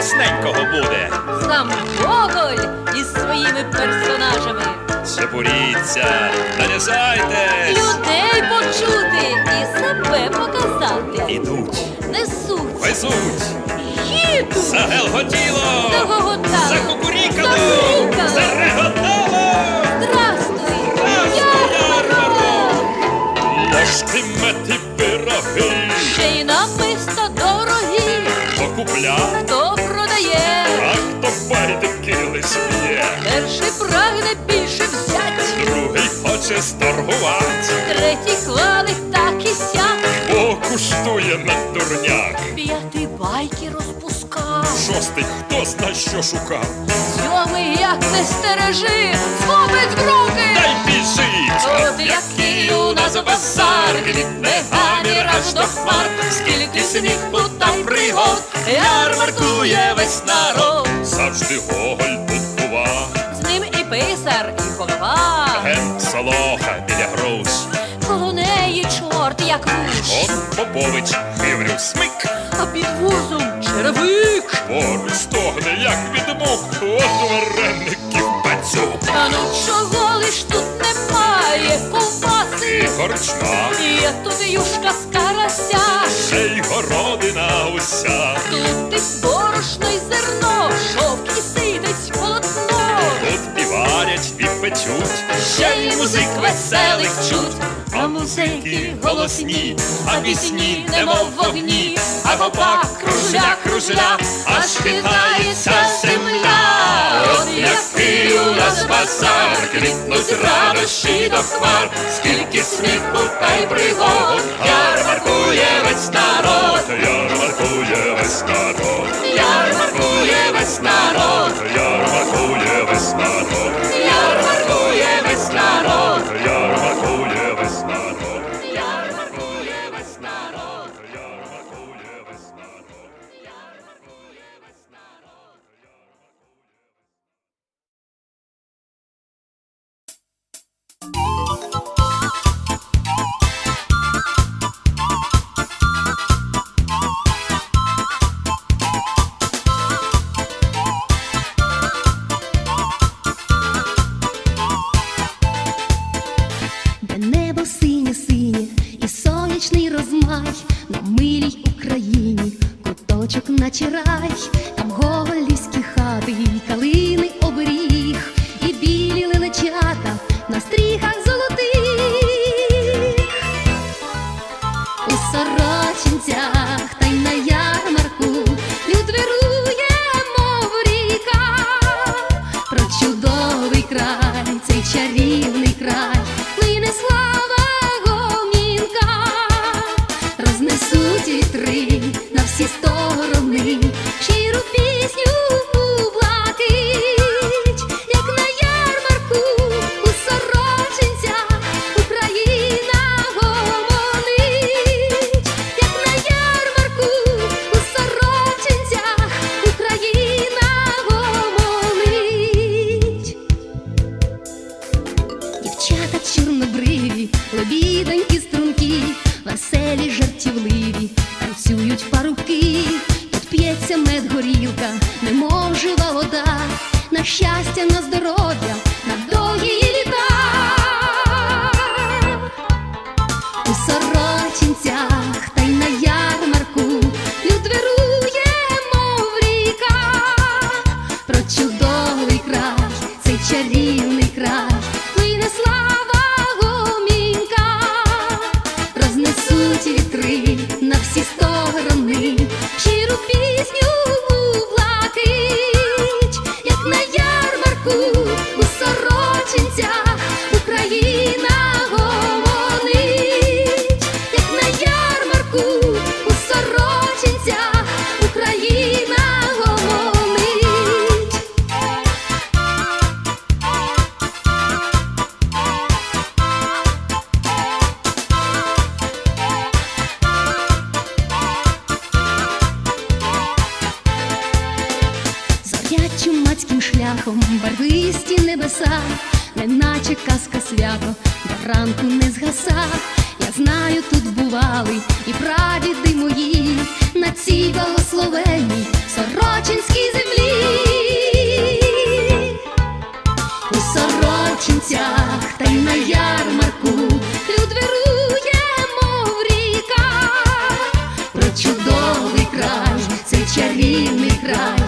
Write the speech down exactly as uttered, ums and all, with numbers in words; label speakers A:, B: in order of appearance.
A: смачненького буде.
B: Сам Гоголь із своїми персонажами.
A: Чепуріться, нанізайтесь.
B: Людей почути і себе показати.
A: Ідуть,
B: Несуть,
A: везуть,
B: їдуть,
A: загелготіло,
B: загоготали,
A: закукурікало,
B: закукурікали.
A: зареготало.
B: Здрастуй,
A: Здрастуй,
B: ярмарок!
A: Ложки, мети, пироги.
B: Ще й намисто дорогі.
A: Хто купля,
B: Хто продає?
A: а хто байдики лиш б'є.
B: Перший прагне більше взять,
A: Другий хоче сторгувати,
B: третій хвалить так і сяк.
A: бо куштує на дурняк.
B: П'ятий байки розпускав,
A: Шостий хто зна що шукав.
B: сьомий як не стережи, схопить в руки.
A: Дай біжить!
B: От який у нас базар, квітне гамір аж до хмар. Скільки сміху та пригод, ярмаркує весь народ.
A: Завжди Гоголь тут бува.
B: З ним і писар, і голова.
A: Ген солоха біля груш.
B: Коло неї чорт як руш,
A: Он Попович, хиврю смик.
B: а під вузом черевик.
A: Поруч стогне, як від мух. От вареників пацюк.
B: А ну чого лиш тут немає
A: І
B: ковбаси?
A: корчма,
B: Є тут юшка з карася,
A: ще й городина уся.
B: тут і борошно, й зерно, шовк і сидить полотно.
A: Тут і варять, і печуть.
B: Ще й музик веселих чуть, а музики голосні, а пісні немов вогні, а гопак кружля, кружля, аж хитається земля. От який у нас базар, квітнуть радощі до хмар, скільки сміху та й пригод, ярмаркує весь народ,
A: Ярмаркує весь народ.
B: ярмаркує весь народ,
A: Ярмаркує весь народ.
B: ярмаркує весь народ,
A: Ярмаркує весь народ.
B: ярмаркує весь народ.
A: Ярмаркує весь народ.
C: Де небо синє-синє і сонячний розмай, на милій Україні куточок наче рай, там гоголівські хати, і калини оберіг, і білі лелечата на стріхах золотих. У Сорочинцях та й на ярмарку люд вирує, мов ріка, про чудовий край, цей чарівний край плине слава гомінка, рознесуть вітри на всі сторони щиру пісню у блакить, як на ярмарку у Сорочинцях Україна гомонить, як на ярмарку у Сорочинцях Україна гомонить. Дівчата чорнобриві, лебідонькі струнки, веселі, жартівливі, танцюють парубки. Тут п'ється мед, горілка, немов жива вода, на щастя, на здоров'я, на довгі літа. У Сорочинцях та й на ярмарку люд вирує, мов ріка, про чудовий край, цей чарівний край плине слава гомінка, рознесуть вітри на всі сторони щиру пісню у блакить, як на ярмарку у Сорочинцях Україна гомонить, як на ярмарку у Сорочинцях Україна гомонить. Зорять чумацьким шляхом барвисті небеса, неначе казка свято, до ранку не згаса. Я знаю, тут бували і прадіди мої на цій благословенній Сорочинській чарівний край.